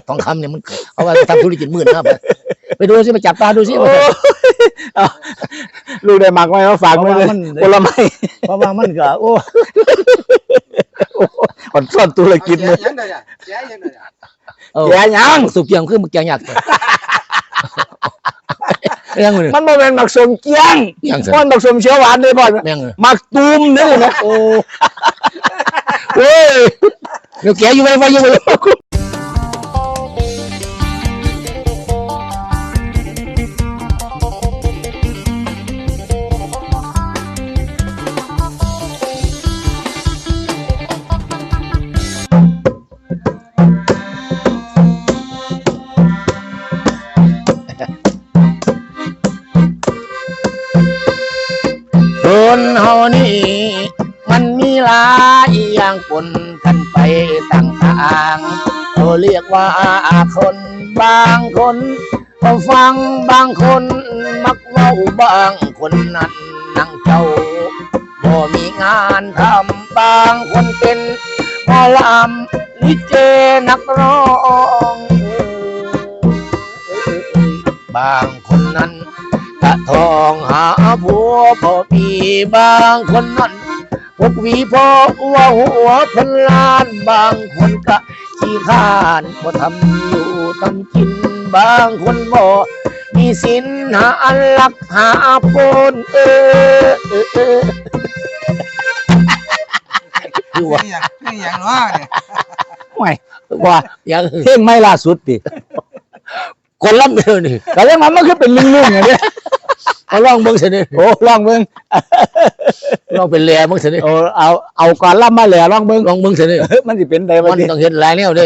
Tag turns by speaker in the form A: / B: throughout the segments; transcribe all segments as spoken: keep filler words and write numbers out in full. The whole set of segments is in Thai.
A: ทองคำเนี่ยมันเอาว่าทำธุรกิจหมื่นนะไปไปดูสิไปจับตาดูสิ
B: ลูกได้หมักไว้มาฝากไว้เลยผลไม้
A: เพราะว่ามันก็โอ้
B: คนซ่อนธุรกิจเลยแกยัง
A: สุกเกียงคือมันแกงยาก
B: มันโมเป็นหมักสมเกียงมันหมักสมเชื้อหวานเลยบ่อยหมักตูมนี่นะ
A: โอ้เฮ้ยเดี๋ยวแกอยู่ไปไปอยู่ไปคนเฮานี่มันมีหลายอย่างปนกันไปต่างๆเขาเรียกว่าคนบางคนก็ฟังบางคนมักเว้าบางคนนั้นนั่งเจ้าบ่มีงานทำบางคนเป็นหมอลำลิเกนักร้องบางคนนั้นตะทองหาผัวพอมีบางคนนั้นพกวีพอว่าหัวพันล้านบางคนก็ขี้ข้านบ่ทำอยู่ทำกินบางคนบ่มีสินหาอันลักหาปนเออเออเออ
C: คือว่าคืออย่างว่าเนี่ย
B: ไม่ว่า
A: อย่าง
B: เพลงไม่ล่าสุดดิ
A: คนล่ำเดียวนี่
B: แต่ยังมันมันคือเป็นลุ่งๆอย่างนี้
A: เอาลองเบิ้งสิ
B: โอ้ลองเบิ้ง
A: ลองเป็นแหล่เบิ้งสิ
B: โอ้เอาเอาก่อนล่ำมาแหล่ลองเบิ้ง
A: ลองเบิ้งสิ
B: มันจะเป็นได
A: มันต้องเห็นหลายแนวเด้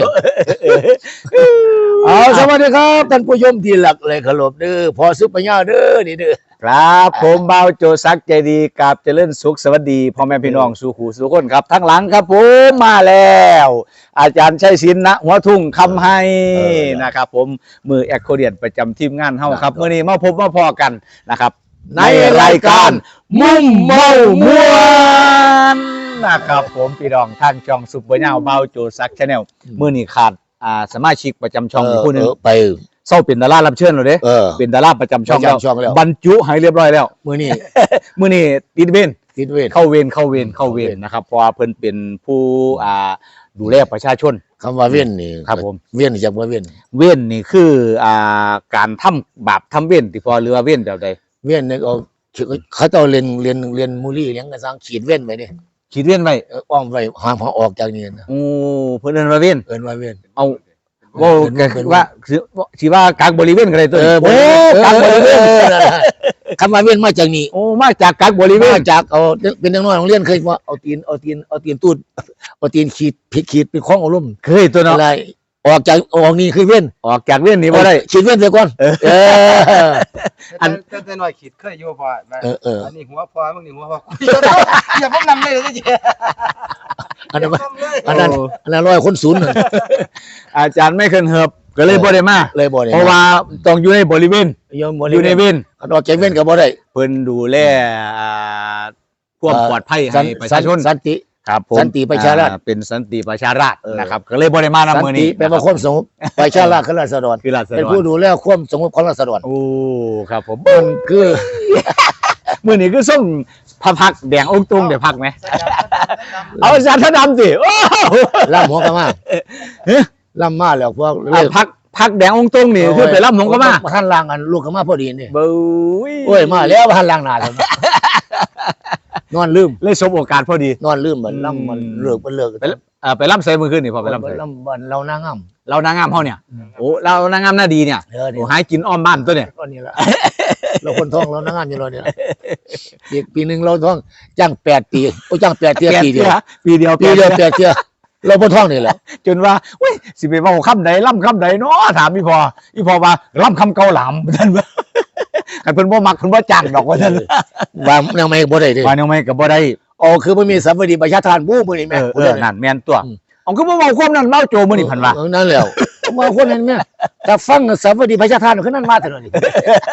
A: เอาสวัสดีครับท่านผู้ชมที่หลักเลยขลบเด้อพอซุปปัญญาเด้อนี่เด้อ
B: ครับผมเบาโจซักใจดีกับเจริญสุขสวัสดีพ่อแม่พี่น้องสู่หูสู่คนครับทั้งหลังครับผมมาแล้วอาจารย์ชัยศิลป์ณหัวทุ่งคำให้นะครับผมมือแอคโคเดียนประจำทีมงานเฮาครับมื้อนี้มาพบมาพอกันนะครับในรายการมุ่มเมามวนนะครับผมพี่น้องทางช่องซุปเปอร์เน่าเบาโจซักชาแนลมื้อนี้ขาดอ่าสมาชิกประจำช่องผู้นึง
A: ไป
B: เศร้าเป็นดารารับเชิญเลยเด้เป็นดาราประจำช่องแล้วบรรจุให้เรียบร้อยแล้ว
A: มื้อนี้
B: มื้อนี้ติดเวร
A: ติดเวร
B: เข้าเวรเข้าเวรเข้าเวรนะครับเพราะว่าเพิ่นเป็นผู้อ่าดูแลประชาชน
A: คำว่าเวรนี่
B: ครับผม
A: เวรจากว่าเวร
B: เวรนี่คืออ่าการทำบาปทำเวรที่พอหรือว่าเวรแบบใด
A: เวรนี่ก็เขาต้องเรียนเรียนเรียนมูลี่เลี้ยงกระซังขีดเวรไว้นี่
B: ขีดเวรไว้
A: อ้อมไว้ห้ามออกจากนี่นะ
B: โอ้เพิ่นเอิ้นว่าเวร
A: เอิ้นว่าเวร
B: เอาว่าว่าสิว่ากักบริเวณอะไรตัว
A: โอ้กักบริเวณคำว่าเวียนมาจากนี่
B: โอ้มาจากกักบริเวณ
A: จากเอาเป็นนักน้อยโรงเรียนเคยว่าเอาตีนเอาตีนเอาตีนตูดเอาตีนขีดผิดขีดเป็นข้องอารมณ์
B: เคยตัวเนาะ
A: อะไรออกจากออกนี่คือเวียน
B: ออกจากเวียนนี่บ่ได้
A: ขีดเวียนเสียก่อนเออ
C: อันแต่น้อยขีดเคยอยู่พอ
A: เออเออ
C: อันนี้หัวพอมึงนี่หัวพออย่าพบนำเลยเลย
A: อันนั้นอันนั้นอันนั้นร้อยคนศูนย์
B: อาจารย์ไม่เคยเหิบก็เลยบ่ได้มา
A: เลยบ่ได้
B: เพราะว่าต้องอยู่ในบริเวณอยู่ในเวร
A: ออกจากเวรก็บ่ได้
B: เพิ่นดูแลความปลอดภัยให้ประชาชน
A: สันติ
B: ครับผม
A: สันติประชาราษฎร์
B: เป็นสันติประชาราษฎร์นะครับก็เลยบ่ได้มานำมื้อนี้
A: เป็นความสงบประชาราษฎร์คือราษฎร
B: คือราษฎร
A: เป็นผู้ดูแลความสงบของราษฎร
B: โอ้ครับผม
A: มันคือ
B: มื้อนี้คือส่งพระพักแดงองค์ตรงได้พักมั้ยเอาอาจารย์ท่านดำสิโอ้
A: ล่ำหัวกะมาล่ำมาแล้วพวก
B: พักพักแดงองค์ตรงนี่คือไปล่ำหัวกะมา
A: ท่านล่างกันลูกกะมาพอดีนี่
B: บุ้ย
A: โอ้ยมาแล้วท่านล่างหน้าแล้วนอนลืม
B: เลยสบโอกาสพอดี
A: นอนลืมเหมือนล่ำมันเลิกมันเลิก
B: ไปอ่าไปล่ำใส่มือขึ้นนี่พอไปล่ำใส่
A: ล่ำมันเรานางงาม
B: เรานางงามเฮาเนี่ยโอ้เรานางงามหน้าดีเนี่ยโอ้หายกินอ้อมบ้านตัวเนี่ย
A: ก็นี่แหละเราคนท้องเรานางงามอยู่เราเนี่ยอีกปีหนึ่งเราท้องจ้างแปดปีโอ้จ้างแปดเที่ยปีเดียว
B: ปีเดียว
A: ปีเดียวแปดเที่ยเราบนท้องนี่แหละ
B: จนว่าเว้ยสิไปเว้าคำใดล่ำคำใดเนาะถามพี่พอพี่พอว่าล่ำคำเกาหลามท่านว่าคันเพิ่นบ่มักเพิ่นบ่จ้างดอกว่าท่าน
A: ว่ายังไม่บ่ได้เด้
B: ว่ายังไม่ก็บ่ได้
A: อ๋อคือมันมีสัมปทานประชาทานบู้มื้อนี้แม่
B: เออนั่นแม่นตัวเอาคือบ่เว้าความนั้นเว้าโจมื้อนี้พันว่า
A: นั่นแล้วมาคนนั้นแม่ถ้าฟังสัมปทานประชาทานคือนั้นมาเท่านั้นนี่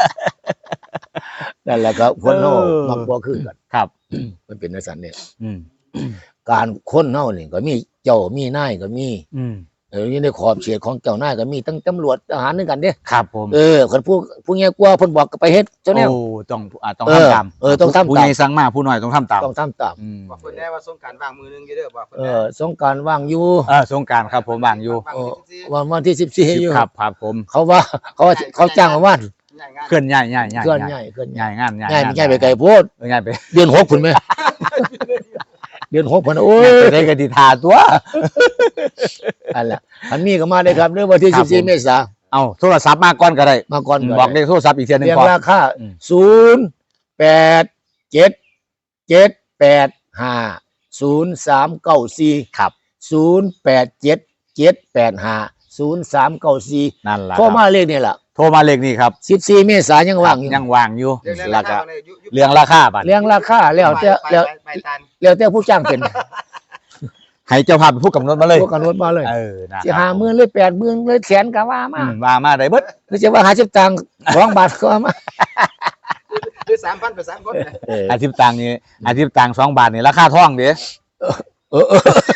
A: นั่นแหละก็คนเฮามักบ่คือกัน
B: ครับ
A: มันเป็นจังซั่นเนี่ยการคนเฮานี่ก็มีเจ้ามีนายก็มีเออนี่ในขอบเขตของเจ้านายก็มีตั้งตำรวจทหารนึงกันเด้
B: ครับผม
A: เออคนผู้ผู้เงี้ยกลัวเพิ่นบอกก็ไปเฮ็ดเจ้าแนว
B: โอ้ต้องอ่าต้อง
A: เออ
B: ทำตาม
A: เออต้องทำตาม
B: ผู้ใหญ่สั่งมาผู้น้อยต้องทำตาม
A: ต้องทำตาม
B: อืม
C: บอกคนแน่ว่าสงกรารวางมือหนึงอยู่เด้อบอกคน
A: เอ
C: แน่
A: อสงกรารว่างอยู่
B: เออสงกรารครับผมว่างอยู่
C: วาง
A: เอ
C: มื
A: อ
C: อสิ
A: วันวันที่สิบสี่อยู่
B: ครับครับผม
A: เขาว่าเขาว่าเขาจ้างมาว่าน
C: ง่ายงาน
B: เคลื่อนย้ายย้ายย้าย
A: เคลื่อนย้ายเคลื่อนย้าย
B: ย้ายงานย้าย
A: ง่ายไม่ง่ายไปไกลโพด
B: เออย้ายไป
A: เดือนหกพุ่นไหมเดือนหกพุ่นโอ้ย
B: ไปได้กติทาตัว
A: อันละอันนี้ก็มาได้ครับเรื่องวันที่
B: ครั
A: สิ
B: บบ
A: สี่
B: ผม
A: เมษา
B: เอาโทรศัพท์มาก่อนก็ได้
A: มาก่อน
B: บอกเลขโทรศัพท์อีกเทียหนึง
A: เรียง
B: ก่อน
A: ราคา
B: อืม
A: ศูนย์แปดเจ็ดเจ็ดแปดห้าศูนย์สามเก้าสี่
B: ครับ
A: ศูนย์แปดเจ็ดเจ็ดแปดห้าศูนย์สามเก้าสี่
B: นั่นแหละ
A: โทรมาเลขนี่แหละ
B: โทรมาเลขนี้ครับ
A: สิบสี่เมษายังว่างอยู่
B: ยังว่างอยู่
C: เรื่อง
B: แล้
C: ราว
B: ก็
C: คาเนี่ยยุยุ
B: เรื่องราคาบัตร
A: เรียงราคาแล้วแต่
C: ไป
A: แล้ว
C: ไปไปตัน
A: แล้วแต่ผู้จ้างเป็น
B: ให้เจ้าภาพเป็นผู้กำหนดมาเลย
A: ผู้กำหนดมาเลย
B: เออนะ
A: สิหาหมื่นเลยแปดหมื่นเลยแสนก็ว่ามา
B: อืมมามาได้เบิด
A: หรือจะว่าหาสิบตังค์สองบาทก็ว่ามา
C: คือสามพันไปสามคนนะ
A: เออ
B: อาทิตย์ตังค์นี่อาทิตย์ตังค์สองบาทนี่ราคาท่องเด้
A: เออเออ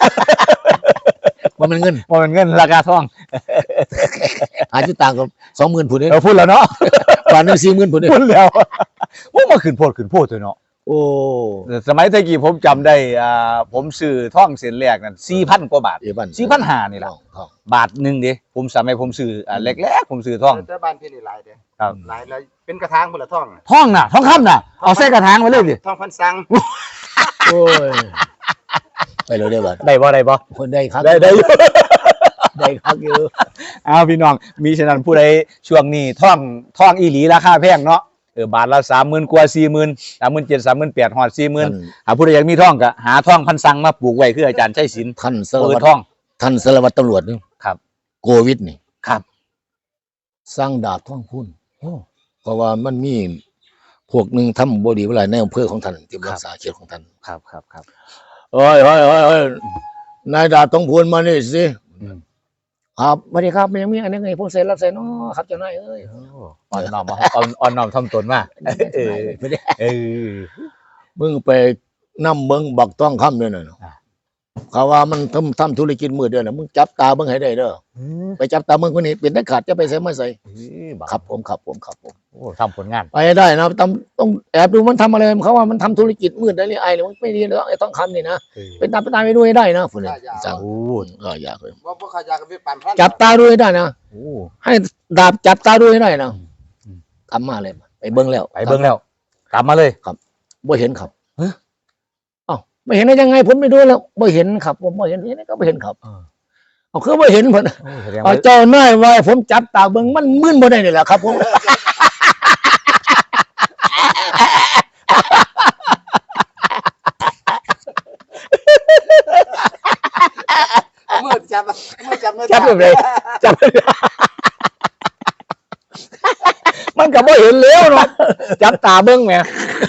A: ว่ามันเงิน
B: ว่ามันเงินราคาท่อง
A: หาสิบตังค์ก็สองหมื่นผุนนี่
B: เราพูดแล้วเนาะ
A: บาทหนึ่งสี่หมื่นผุนนี่
B: พูดแล้วว่ามาขึ้นโพดขึ้นโพดตัวเนาะ
A: โอ้
B: สมัยตะกี้ผมจำได้อ่าผมซื้อท่องเส้นแรกนั่นสี่พันกว่าบาท
A: เอบัน
B: สี่พันห้านี่แหละ
A: ทอง
B: บาทหนึ่งเด้ผมสมัยผมซื้ออ่าแรกๆผมซื้อท่อง
C: แต่บ้านพี่นี่หลายเด้อ
B: ครับ
C: หลายแล้วเป็นกระถางคนละท่อง
B: ท่องน่ะท่องคำน่ะเอาใส่กระถางมาเลยดิ
C: ท่องพันสัง
A: โอ้ยไปเลยได้บัด
B: ได้บ่ได้บ่
A: คนได้ครับ
B: ได้ได้อยู่
A: ได้ครับอยู่
B: เอาพี่น้องมีฉะนั้นผู้ใดช่วงนี้ท่องท่องอีหลีราคาแพงเนาะเออบาทละสามหมื่นกว่าสี่หมื่นสามหมื่นเจ็ดสามหมื่นแปดหอดสี่หมื่นหาผู้ใดอยากมีท่องก็หาท่องพันสังมาปลูกไว้คืออาจารย์ชัยศิลป์
A: ท่านสาร
B: เปิ
A: วั
B: ด
A: ตร
B: ท่อง
A: ท่านสารวัตรตำรวจนี่
B: ครับ
A: โควิดนี่
B: ครับ
A: สร้างดาบท่องพุ่นเพราะว่ามันมีพวกหนึ่งทำบดีเวลาในอำเภอของท่านที่รักษาเขตของท่าน
B: ครับครับครับ
A: เอ้ยเอ้ยเอ้ยเอ้ยนายดาบต้องพูนมานี่สิ
B: อืม
A: ครับสวัสดีครับมันยังมีอันนี้ไงผมเซ็นรับเซ็นเนาะครับเจ้านายเอ้ย
B: อ่อนน้อมมาอ่อนอ่อนน้อมทำตนมาเออ
A: ไม่ได้
B: เออ
A: มึงไปนั่มเบิ้งบักต้องคำด้วยนะ
B: อ่า
A: เขาว่ามันทำทำธุรกิจมือเดือนนะมึงจับตาเบิ้งให้ได้เด้อไปจับตาเบิ้งคนนี้เป็นได้ขาดจะไปใส่ไม่ใส่ครับผมครับผมครับผม
B: โอ้ทำผลงาน
A: ไปให้ได้นะต้องต้องแอบดูมันทำอะไรเขาว่ามันทำธุรกิจมืดได้เลยไอ้เลยมันไม่ดีเลยไอ้ต้องคำนี่นะเป็นตามไปตามไปดูให้ได้นะคุณเนี่ยสั่ง
B: โอ้
A: เอออยากเลย
C: ว่าพวกเขาอยากกันไปปั่นพลัน
A: จับตาดูให้ได้นะ
B: โอ้
A: ให้ดาบจับตาดูให้ได้นะ
B: อืม
A: กลับมาเลยไปเบิ้งแล้ว
B: ไปเบิ่งแล้ว กลับมาเลย
A: บ่เห็นครับเอ้าไม่เห็นได้ยังไงผมไม่ดูแล้วบ่เห็นครับผมบ่เห็นเห็นก็บ่เห็นครับ
B: เออ
A: เอาคือบ่เห็นเพิ่น
B: โอ้แสดง
A: เอา
B: ว่า
A: เจ้านายไว้ผมจับตาเบิ่งมันมึนบ่ได้นี่แหละครับผม
C: มือจับมือจับมือ
B: จับเลยจับมันก็บ่เห็นแล้วเนาะจับตาเบิ่งแหม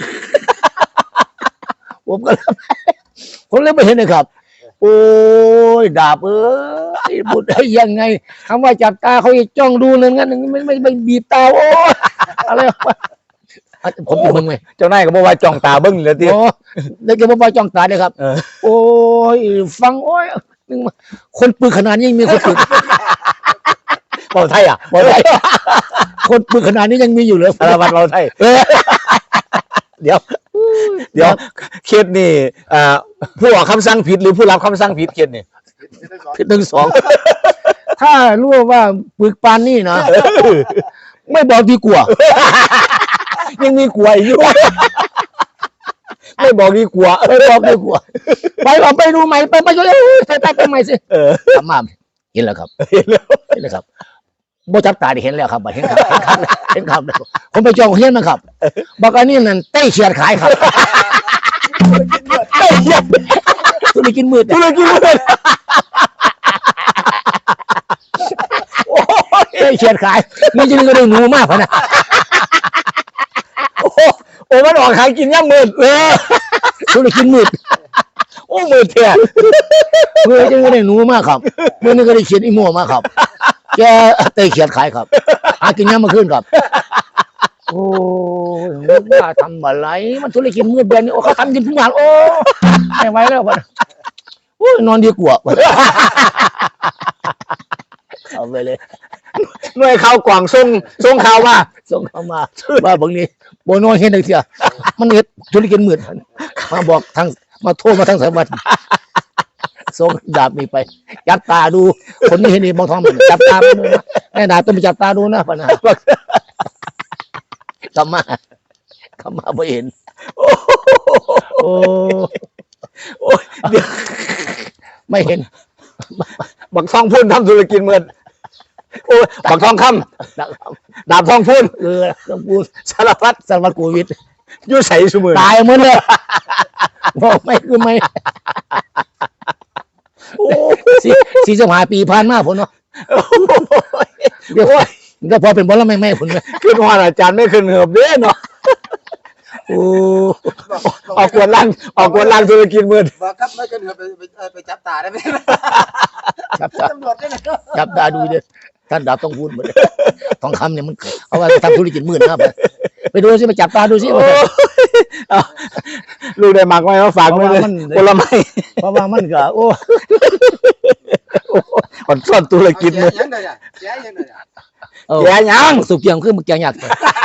A: ผมก็เลยผมเลยบ่เห็นเลยครับ โอ้ยดาบเอ้ยบุดได้ยังไงคำว่าจับตาเขาจะจ้องดูนั่นงั้นไม่ไม่ไม่บีบตาโอ้ยอะไรวะอ่ะผมจะเบิ่งไหม
B: เจ้านายก็บอกว่าจ้องตาเบิ้งเลยที
A: โอ้ได้แค่บ่จ้องตาเลยครับ
B: เออ
A: โอ้ยฟังโอ้ยนึกว่าคนปืนขนาดนี้ยังมีคนปืน
B: เบาไทยอ่ะ
A: บอกได้คนปืนขนาดนี้ยังมีอยู่เลย
B: สารวัตรเบาไทย
A: เออ
B: เดี๋ยว เดี๋ยวเคสนี่อ่าผู้ออกคำสั่งผิดหรือผู้รับคำสั่งผิดเคสนี่
A: ผิดหนึ่งสองถ้ารู้ว่าปึกปานนี่นะไม่บอกดีกว่า
B: ยังมีกลัวอยู่ ไม่บอกดีกว่า
A: ไม่บอกดีกว่าไปเอาไปดูใหม่ไปไปเลยไปไปไปใหม่สิ
B: เออ
A: ทำมาเห็นแล้วครับ
B: เห็นแล้ว
A: เห็นแล้วครับโบจับตาได้เห็นแล้วครับเห็นครับเห็นครับเห็นครับผมไปจองเฮียนนะครับบอกอันนี้นั่นเต้เขียดขายครับเต้เขียดธุรกิจมืด
B: ธุรกิจเลย
A: เต้เขียดขายนี่จริงก็ได้หนูมากพะนะ
B: โอ้โหโอ้มันออกหากินย่ำมืดเออ
A: ธุรกิจมืด
B: โอ้มืดเถี่ย
A: เมื่อจึงก็ได้หนูมากครับเมื่อนี้ก็ได้เขียนอีโม่มากครับแกเตะเขียนขายครับหากินน้ำมาขึ้นครับโอ้ยว่าทำอะไรมันธุรกิจมืดแบบนี้โอ้เขาทำกินทุกอย่างโอ้ไม่ไหวแล้ววะโอ้ยนอนดีกว่าเอาไปเลย
B: หน่วยข่าวกว่างส่งส่งข่าวมา
A: ส่งเข้ามาว่าบางนี้โบน้อยเห็นได้เสียมันเฮ็ดธุรกิจมืดมาบอกทางมาโทรมาทางสายวัดส่งดาบนี่ไปจับตาดูคนนี้เห็นนี่มองท้องมันจับตาดูนะแม่ดาบต้องไปจับตาดูนะพะนะกลับมากลับมาไม่เห็นโอ้โอ้เดี๋ยวไม่เห็น
B: บักทองพูนทำธุรกิจเหมือนโอ้บักทองคำดาบทองพูน
A: เออต้องพูด
B: สารพัด
A: สารวัตรโควิด
B: อยู่ใส่สมือ
A: ตายเหมือนเลยบอกไม่คือไม่สี่สี่สิบห้าปีผ่านมาผลเนาะเดี๋ยวก็พอเป็นบอลแล้วไม่ไม่ผลเลย
B: ขึ้นว่าอาจารย์ไม่ขึ้นเหือบเด้เนาะ
A: โอ้
B: ออกกวนล่างออกกวนล่างธุรกิจเหมือน
C: บอกครับไม่กันเหรอไปไปไปจับตาได้ไหม
A: จับตา
C: ตำรวจได้เลย
A: จับตาดูเด้อท่านดาบต้องพูดเหมือนทองคำเนี่ยมันเอาไว้ทำธุรกิจมืดนะไปไปดูสิไปจับตาดูสิ
B: ลูกได้หมักไว้มาฝากไว้เลยผลไม้
A: เพราะว่ามันก็โอ้
B: ผ่อนซ่อนธุรกิจมือ
C: ยังไงอ่ะแย่ยังไงอ่ะ
B: แย่ยัง
A: สุกเกียงคือมึงแกงยาก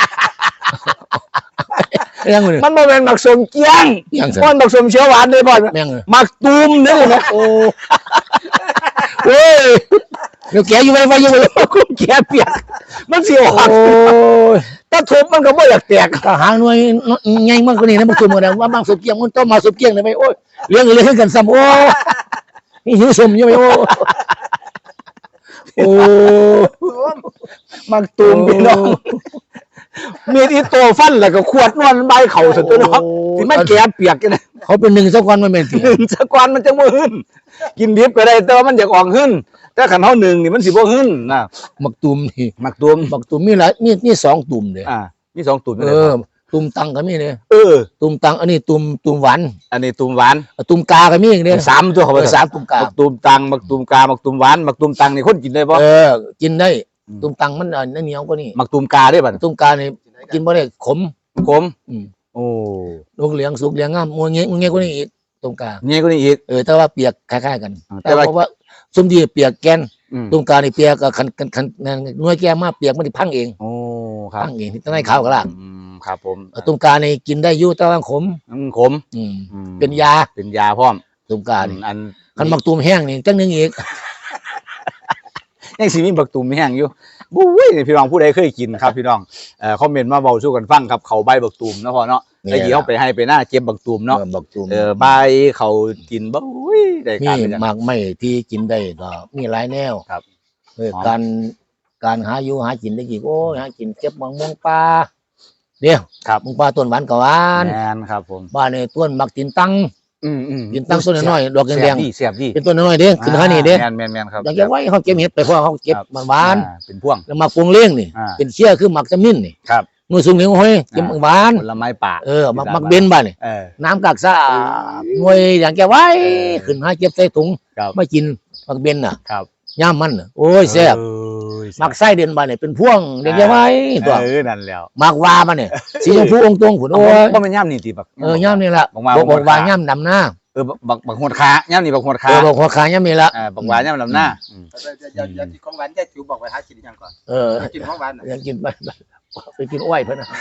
A: เรื่องมัน
B: มันโมเมนต์หมักสมเกียง
A: ยังสิ
B: มันหมักสมเชียวหวานเลยบ่อน
A: แม่ง
B: หมักตูมนี่เลยนะ
A: โอ้เฮ้ยเดี๋ยวแกอยู่ไว้ไว้อยู่ไว้
B: คุ้มแก่เปียกมันเสียวหัก
A: โอ้ย
B: ถ้าทุบมันก็ไม่อยากแตก
A: ทหารหน่วยใหญ่มากกว่านี้นะมันคือหมดแล้วว่าบางสุกเกียงมันต้องมาสุกเกียงเลยไหมโอ้ยเลี้ยงเลี้ยงกันซ้ำโอ้นี่หิวสมอยู่ไหมโอ้โอ้
B: หมักตูมพี่น้องมีที่โตฟันแล้วก็ขวดนวลใบเข่าสุดตัวเนาะที่มันแก่เปียกกันนะ
A: เขาเป็นหนึ่งสักวันมันเป็น
B: หนึ่งสะกวันมันจะบ่หึ้นกินดิบก็ได้แต่ว่ามันอยากออกหึ้นแต่ขันเท่าหนึ่งนี่มันสิบ่หึ้นนะ
A: หมักตุ่มนี่
B: หมักตูม
A: หมักตุ่มมีหลายมีมีสองตุ่มเลย
B: อ่ามีสองตูม
A: เออตุ่มตังก็มีเนี่ย
B: เออ
A: ตุ่มตังอันนี้ตุ่มตุ่มหวาน
B: อันนี้ตูมหวาน
A: ตุ่มกาก็มีอย่างเดียว
B: สามตัวเขา
A: เอ
B: ไป
A: อสามตุ่มกา
B: หมักตูมตังหมักตูมกาหมักตูมหวานหมักตูมตังนี่คนกินได้ปะ
A: เออกินได้ตุ่มตังมันอันเหนียวกว่านี่
B: หมักตูมกาได้ป่ะ
A: ตุ่มกาเนี่ยกินบ่ได้ขม
B: ขม
A: อืม
B: โอ้
A: ลูกเหลียงสุกเหลียงงามมัวเงี้ยมัวเงี้ยกว่านี้อีกตุ่มกา
B: เนี่ยก็นี่อีก
A: เออแต่ว่าเปียกคล้ายๆกัน
B: อ่าแต่
A: แต่
B: ว่า
A: ว่าซุ่มดีเปียกแกน
B: อืม
A: ตุ่มกานี่เปียกกับคันคันคันหน่วยแก้มากเปียกมันสิพังเอง
B: โอ้ครับ
A: พังเองที่ต้องให้ขาวกับล่าง
B: อืมครับผม
A: เออตุ่มกานี่กินได้อยู่แต่ว่าขม
B: อืมขม
A: อืม
B: อืม
A: เป็นยา
B: เป็นยาพร้อม
A: ตุ่มกานี่
B: อัน
A: คันหมักตุ่มแห้งนี่จังหนึงอีก
B: ยังสิมีบักตูมแห้งอยู่บุ้ยนี่พี่น้องผู้ใดเคยกินครับพี่น้องเอ่อคอมเมนต์มาเบาสู้กันฟังครับเขาใบบักตูมเนาะพ่อเนาะ
A: นี่
B: ไอ้ยี่เขาไปให้ไปหน้าเจ็บบักตูมเนาะ
A: ออหมักตุ่ม
B: เออใบเขากินบุ้ยได้
A: มี
B: การเป็นอย่าง
A: หมากไม้ที่กินได้ก็มีหลายแนว
B: ครับ
A: เออ
B: อ๋อ
A: การการหาอยู่หากินได้กี่โอ้ยหากินเก็บมะม่วงปลาเดี๋ยว
B: ครับ
A: มะม่วงปลาต้นหวานกับหวาน
B: แมนครับผม
A: บ้านในต้นหมักตินตัง
B: อืมอืม
A: ตินตังต้นน้อยๆดอกแด
B: เสีย
A: ง
B: บดีเสียบดี
A: ๆเป็นต้นน้อยๆเด้ขึ้นหานี่เด้
B: แมนแมนแมนครับ
A: อยากจะไว้เขาเก็บเห็ดไปเพราะเขาเก็บ
B: ครับ
A: หวาน
B: อ่เป็นพ่วง
A: ๆแล้วหมักปรุงเลี้ยงนี่
B: อ่า
A: เป็นเชี่ยคือหมักจำมิ้นนี่
B: ครับ
A: มือสูงเหนียวห้อยเก็บหวาน
B: ผลไม้ป่า
A: เออหมักหมักเบนบ้านนี่
B: เออ
A: น้ำกากซ่าหน่วยอย่างแกไว้
B: เออ
A: ขึ้นหาเก็บใส่ถุง
B: ครับ
A: ไม่กินหมักเบนน่ะ
B: ครับ
A: ย่ามมันน่ะโอ้ยแซ่บ
B: เอ้ย
A: หมักไส้เด่นบ้านนี่เป็นพ่วงเด็กแกไว้ตัว
B: เออนั่นแล้ว
A: หมักวาบ้านนี่สีชมพูองค์ตรงผุนโอ้ย
B: ก็เป็นย่ำนี่ตีบัก
A: เออย่ามนี่ละ
B: บอกมา
A: บอก
B: บอก
A: ว่า
B: มา
A: ย่ามดำหน้า
B: เออบักบักบักหดขาย่ำนี่บักหด
A: เอ
B: ขา
A: อบอกหัวขาย่ามนี่ละ
B: เออบักหวานย่ำลำหน้าอืม
C: อย่าอย่ากินของหวานแย่จิ๋วบอกไว้หากินยังก่อน
A: เออ
C: กินของหวาน
A: ยังกินไปไปกินอ้อยเพิ่นน่ะ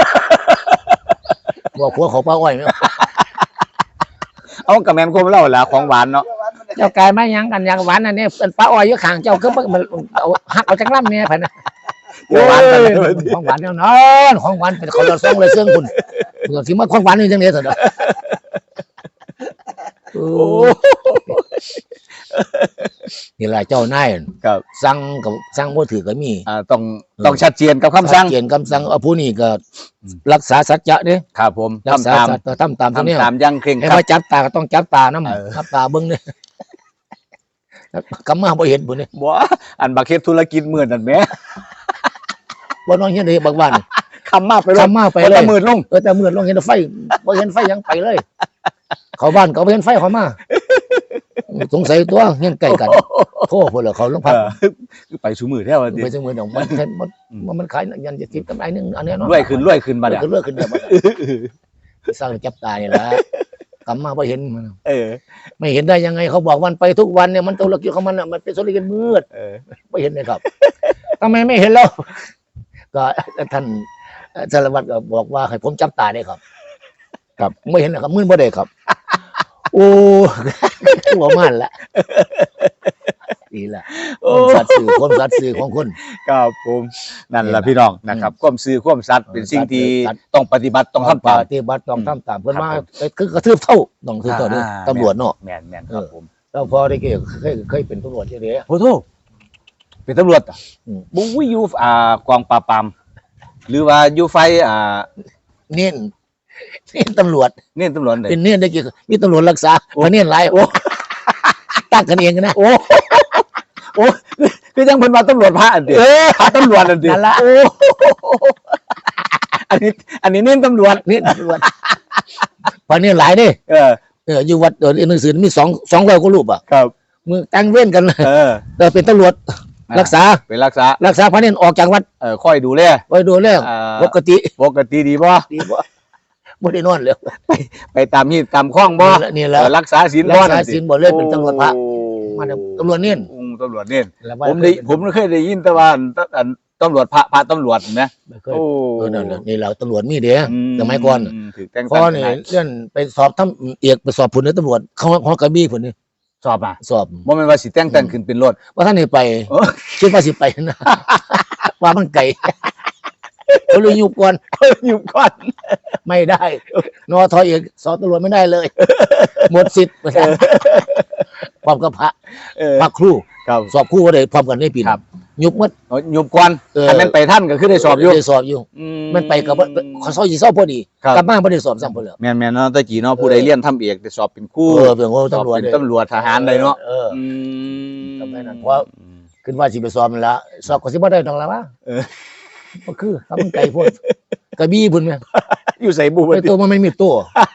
A: บอกหัวเขาป้าอ้อยไหม
B: เอากระแมนกลมเล่าละของหวานเนาะ
A: เจ้ากายมายังกันยังหวานอันนี้เป็นป้าอ้อยอยู่ข้างเจ้าก็มันเอาหักเอาจังล่ำเนี่ยเพิ่นน่ะ
B: เดี๋ยวหวานกันเลย
A: ของหวานแน่นอนของหวานเป็นเขาเราส่งเลยเสื่องคุณเผื่อที่มาของหวานนี่จังเลยเถอะเด้อโอ้นี่แหละเจ้านาย
B: ครับ
A: สั่งกับสั่งบ่ถือก็มี
B: อ่าต้องต้องชัดเจนกับคำสั่ง
A: เขียนคำสั่งเอาผู้นี้ก็รักษาสัจจะเด้
B: ครับผม
A: รักษา
B: ทำตาม
A: สัจจะทำตามตัวเนี้ย
B: ทำตามอยังเคร่ง
A: ให้
B: ครั
A: ว่า
B: ด
A: จับตาก็ต้องจับตาน้
B: เออ
A: ำจับตาเบิ้งเนี่ยกำมาบ่เห็นบุญเนี่ย
B: บ่อันบักเฮ็ดธุรกิจหมื่นนั่นแหม
A: บ่น้องเห็นเลยบางบ้าน
B: คำมาไปลง
A: คำมาไปเลย
B: หมื่นลง
A: เออแต่เมื่อลงเห็นไฟบ่เห็นไฟยังไปเลย เขาบ้านเขาบ่เห็นไฟเขามาสงสัยตัวเงี้ยใกล้กันโทษพุ่นเหรอเขาลงพัก
B: เออคือไปสู่มือแท้ว่าติ
A: ไปจังมือดอกมันเห็นมันมันมันขายยันจะติดกำไรนึงอันนี้เนาะ
B: รวยขึ้นรวยขึ้นบัด
A: เดี๋
B: เนี่ย
A: ยวเลิกขึ้นเดี๋ยวมันสร้างจับตานี่แหละกลับมาพอเห็นมัน
B: เออ
A: ไม่เห็นได้ยังไงเขาบอกวันไปทุกวันเนี่ยมันธุรกิจของมันอ่ะมันเป็นธุรกิจมืด
B: เออ
A: ไม่เห็นเลยครับ ทำไมไม่เห็นแล้วก็ท่านสารวัตรก็บอกว่าให้ผมจับตาได้ครับ ครับไม่เห็นนะครับมืดบ่ได้ครับ โอ้ หัวมันละดีละความสัตย์สื่อความสัตย์สื่อของคน
B: ครับผมนั่นแหละพี่น้องนะครับความซื่อความสัตย์เป็นสิ่งที่
A: สัตย์
B: ต้องปฏิบัติต้องทำ
A: ป
B: ตาม
A: ฏิบัติต้องทำตามเพื่อน
B: ครับ
A: มา
B: ผม
A: คือกระทืบเท่าต้องทืบเท่าเด้อ
B: อ่า
A: ตำรวจเนาะ
B: แม่นแม่นครับผม
A: แล้วพอได้เกี่ยวเคยเคยเป็นตำรวจใช่ไหม
B: โอ้โหเป็นตำรวจอ่ะ
A: อืม
B: บุ้ยอยู่อ่ากองปราบปรามหรือว่าอยู่ไฟอ่า
A: เน้นเน้นตำรวจ
B: เนี่ยตำรวจเลย
A: เป็นเน้นได้กี่มีตำรวจรักษา
B: โอ้
A: พอเน้นหลายโอ้ตั้งกันเองนะ
B: โอ้โอ้คือจังเพิ่นว่าตำรวจพระอันเดียวพระตำรวจอันเดียว
A: นั่นละ
B: โอ้อันนี้ อันนี้เน้นตำรวจ
A: เน้นตำรวจพอเน้นหลายเด้
B: เออ
A: เอออยู่วัดเออหนังสือมีสองสองร้อยกว่ารูปอ่ะ
B: ครับ
A: มึงตั้งเว้นกันเลย
B: เออ
A: เออเป็นตำรวจรักษา
B: เป็นรักษา
A: รักษาพระเน้นออกจากวัด
B: เออค่อยดูแล
A: ไว้ดูแล
B: อ่า
A: ปกติ
B: ปกติดีบ่
A: ดีบ่บ่ได้นอนเลย
B: ไปตามมีดตามข้องบ่
A: นี่แหละ
B: เออรักษาศีล
A: รั
B: บ่
A: กษาศีลบ่เลยเป็นตำรวจพระ
B: โอ้
A: มาตำรวจเน้น
B: อืมตำรวจเน้น
A: แล้ว
B: ผมได้ผมเคยได้ยินแต่ว่าอันตำรวจพระพระตำรวจนะ
A: ไม่เคย
B: โอ้
A: เออนั่นน่ะนี่เราตำรวจมีเด้
B: อื
A: สมัยก่อน
B: ถือแต่ง
A: พอ
B: ตั้ง
A: นี่
B: ทนาย
A: เลื่อนไปสอบทำเอกไปสอบผลในตำรวจเขาเขากระบี่ผลนี่
B: สอบอ่ะ
A: สอบ
B: บ่แม่นว่าสิแต่งตั้งขึ้นเป็นรถ
A: ว่าท่านนี่ไป
B: โอ้
A: คิดว่าสิไปนะ ว่ามันไกลเขาเลยยุบก่อน
B: อยู่ก่อน
A: ไม่ได้นอทอเอกสอบตำรวจไม่ได้เลย หมดสิทธิ์พร้อมกับพระ
B: เออ
A: พระครู
B: ครับ
A: สอบครูก็ได้พร้อมกันในปี
B: ครับ
A: ยุบหมัด
B: เอาอยู่ก่อน
A: เออ
B: อันนั้นไปท่านก็คือได้สอบอยู่
A: ได้สอบอยู่
B: อื
A: มันไปกับว่าเขาสอบยี่สอบพอดี
B: ครับ
A: กลับมาไม่ได้สอบซ้ำพอเลย
B: แม่นๆเนาะแตะกี้เนาะผู้ใดเรียนทำเอกได้สอบเป็นครู
A: เออเป็นว่า
B: สอบ
A: ตำรวจ
B: เป็นตำรวจทหารได้เนาะ
A: เออ
B: อืม
A: ทำไมนั่นเพราะ ขึ้นว่าสิไปสอบมันละสอบก็สิบ่ได้ดอกละวะ
B: เออ
A: ก็คือถ้ามันไกลโพดกระบี่พุ่นแม่
B: อยู่ใส่บู
A: ไอ้ตัวมันไม่มีตัว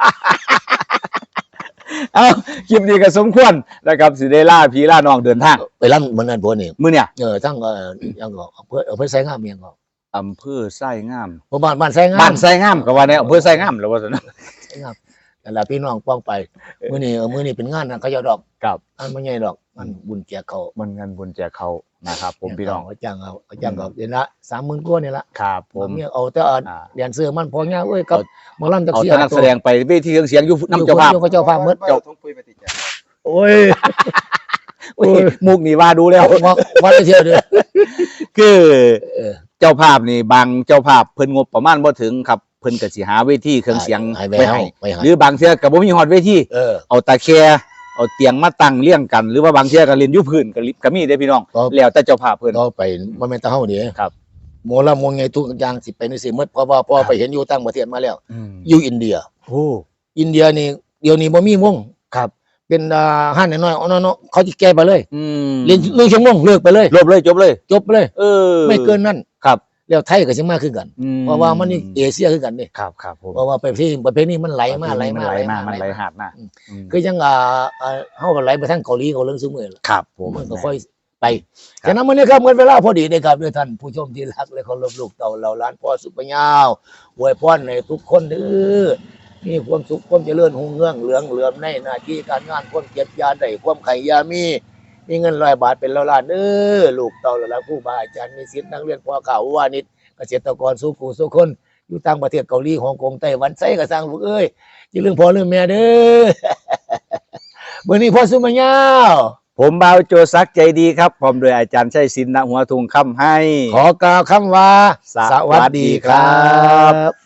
B: เอ้าคลิปนี้ก็สมควรนะครับสิได้ล่าพี่ล่าน้องเดินทาง
A: ไปรับมันนั่นพวกนี้
B: มื้อเนี่ย
A: เออทั้งเออยังก็อำเภออำเภอไสงามเมียงก็
B: อำเภอไส้งาม
A: เพราะบ้านบ้านไสงาม
B: บ้านไส้งามก็ว่าในอำเภอไส้งามแล้วว่าซั่นนะ
A: ไสงามแต่ละพี่น้องป้องไปมื้อนี้เออมื้อนี้เป็นงานนะเขาเจ้าดอก
B: ครับ
A: อันบ่ใหญ่ดอกมันบุญแจกเขา
B: มันเงินบุญแจกเขานะครับ ผมพี่น้อง
A: เขาจ้างเอาเขาจ้างเขาเดือนละสามหมื่นกว่านี่ละ
B: ครับผ
A: ผม มเนี่ยเอาแต่เอา
B: อ่า
A: เรียนเสื้อมันพอเงี้ยเอ้ยกับหมอลำจัก
B: เอา
A: เสีย
B: แต่นักแสดงไปเวทีเครื่องเสียงอยู่น้ำเจ้าภาพ
A: อยู่กับเจ้าภาพหมด
C: เจ้าทงปุยปฏิจจ์
A: โอ้ย
B: โอ้ยมุกนี่ว่าดูแล้ว
A: ว่าว่าได้เที่ยวเด้อ
B: คือ
A: เออ
B: เจ้าภาพนี่บางเจ้าภาพเพิ่นงบประมาณบ่ถึงครับเพิ่นก็สิหาเวทีเครื่องเสียง
A: ให้
B: ไว้
A: ไปให้
B: ให้
A: ไปให้
B: หรือบางเทื่อก็บ่มีฮอดเวที
A: เออ
B: เอาตะแคร์เอาเตียงมาตั้งเรียงกัน หรือว่าบางเทื่อก็เล่นอยู่พื้นก็ลิก็มีเด้อพี่น้อง
A: ครับ
B: แล้วแต่เจ้าภาพเพิ่น
A: เราไปบ่แม่นแตาเฮานี่
B: ครับ
A: หมอลำมงไงทุกอย่างสิไปในสิหมดเพราะว่าพอไปเห็นอยู่ต่างประเทศมาแล้ว
B: อืม
A: อยู่อินเดีย
B: โอ้
A: อินเดียนี่เดี๋ยวนี้บ่มีวง
B: ครับ
A: เป็นอ่าห้านน้อยๆเอาน้อยๆเขาสิแก้ไปเลย
B: อืม
A: เรียนเรื่องชั่วโมงเลิกไปเลย
B: ลบเลยจบเลย
A: จบไปเลย
B: เออ
A: ไม่เกินนั้น
B: ครับ
A: แล้วไทยก็สิมาคือกัน
B: อืม
A: เพราะว่ามันนี่เอเชียคือกันนี่
B: ครับครับผม
A: เพราะว่าประเภทประเภทนี้มันไหลมาไหล
B: มั
A: มาน
B: ไหลมามันไหล
A: มา
B: หาดมา
A: อืม
B: อืม
A: คือยังอ่าอ่าเฮาก็ไหลไปทางเกาหลีเขาเรื่องซุมื้อล่ะ
B: ครับผม
A: มันก็ค่อยไปฉะนั้นมื้อนี้ครับเหมือนเวลาพอดีนะครับด้วยท่านผู้ชมที่รักและเคารพลูกเต่าเหล่าล้านพ่อสุปยาวอวยพรให้ทุกคนเด้อมีความสุขความเจริญรุ่งเรืองเหลืองเหลือมในหน้าที่การงานความเจ็บยาได้ความไข่ยามีมีเงินร้อยบาทเป็นล้านๆเด้อลูกเต่าเหล่าล้านผู้บาอาจารย์มีศิษย์นักเรียนพ่อข่าววานิชเกษตรกรสู้ผู้สู้คนอยู่ต่างประเทศเกาหลีฮ่องกงไต้หวันไสก็สร้างลูกเอ้ยอย่าลืมพ่อลืมแม่เด้อ มื้อนี้พ่อสุปยาว
B: ผมบ่าวโจซักใจดีครับพร้อมโดยอาจารย์ชัยศิลป์ณหัวทุงคำให้
A: ขอกล่าวคำว่า
B: สวัสดีครับ